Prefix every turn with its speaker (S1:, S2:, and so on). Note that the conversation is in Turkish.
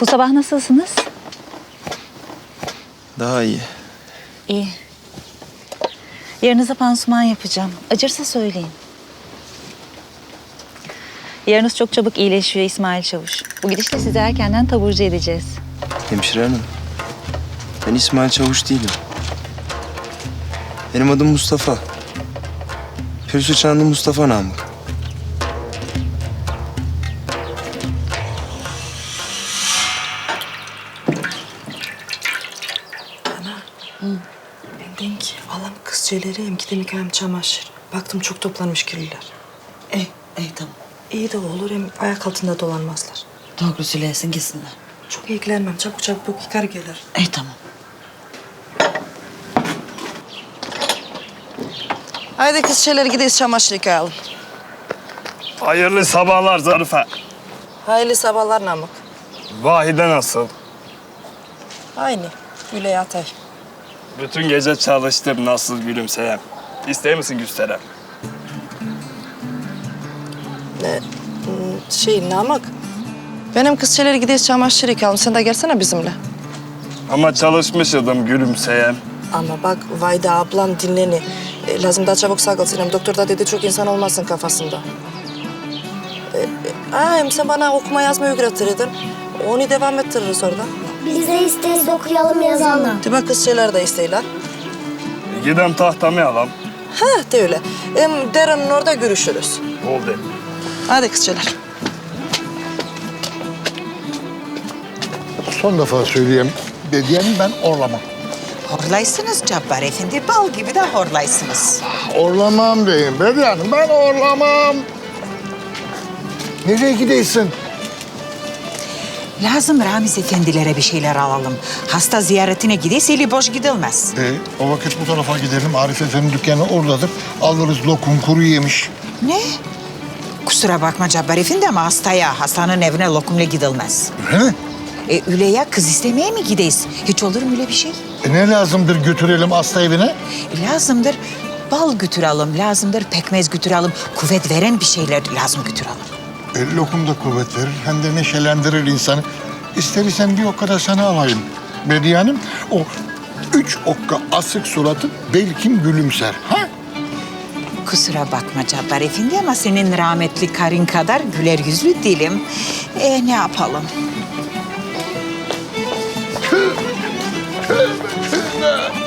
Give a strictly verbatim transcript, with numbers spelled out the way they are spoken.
S1: Bu sabah nasılsınız?
S2: Daha iyi.
S1: İyi. Yarınıza pansuman yapacağım. Acırsa söyleyin. Yarınız çok çabuk iyileşiyor İsmail Çavuş. Bu gidişle sizi erkenden taburcu edeceğiz.
S2: Hemşire hanım. Ben İsmail Çavuş değilim. Benim adım Mustafa. Pürsü Çanlı Mustafa Namık.
S3: Ben denk alam kızcıları hem gidem hem çamaşır. Baktım çok toplanmış kirliler.
S4: İyi, iyi tamam.
S3: İyi de olur hem ayak altında dolanmazlar.
S4: Doğru söylesin gitsinler.
S3: Çok ilgilenmem. Çabuk çabuk yıkar gelir.
S4: İyi tamam.
S3: Haydi kızcıları gideyiz çamaşır yıkayalım.
S5: Hayırlı sabahlar Zarife.
S3: Hayırlı sabahlar Namık.
S5: Vahide nasıl?
S3: Aynı. Güle yatay.
S5: Bütün gece çalıştım nasıl gülümseyem. İster misin gösterem?
S3: Şey Namık. Benim kızcıları gideyiz çamaşır yıkayalım. Sen de gelsene bizimle.
S5: Ama çalışmışydım gülümseyem.
S3: Ama bak Vayda ablan dinleni. E, lazım daha çabuk sağ kalsın. Hem doktor da dedi çok insan olmazsın kafasında. E, e, aa, hem sen bana okuma yazma öğretirdin. Onu devam ettiririz orada.
S6: Biz de isteriz okuyalım yazalım.
S3: De bak kızcılar da isteyler.
S5: Gidem tahtamı alam.
S3: Ha de öyle. Hem Deren'in orada görüşürüz.
S5: Oldu.
S3: Hadi kızcılar.
S7: Son defa söyleyeyim. Dediğim ben orlamam.
S8: Horlaysınız Cabbar Efendi, bal gibi de horlaysınız.
S7: Orlamam diyeyim. Bediyenim ben orlamam. Nereye gidiyorsun?
S8: Lazım Ramiz efendilere bir şeyler alalım. Hasta ziyaretine gideyiz, eli boş gidilmez.
S7: E, o vakit bu tarafa gidelim. Arif Efendi dükkanı oradadır. Alırız lokum, kuru yemiş.
S8: Ne? Kusura bakma Cabbar Efendi ama hastaya, hastanın evine lokumla gidilmez.
S7: Öyle mi?
S8: E, öyle ya, kız istemeye mi gideyiz? Hiç olur mu öyle bir şey?
S7: E, ne lazımdır götürelim hasta evine?
S8: E, lazımdır bal götürelim, lazımdır pekmez götürelim. Kuvvet veren bir şeyler lazım götürelim.
S7: E, lokum da kuvvet verir. Hem de neşelendirir insanı. İstersen bir okka da sana alayım. Bediyenim o üç okka asık suratı belki gülümser. Ha?
S8: Kusura bakma Cabbar Efendi ama senin rahmetli karın kadar güler yüzlü değilim. E, ne yapalım?
S7: Tövbe tövbe.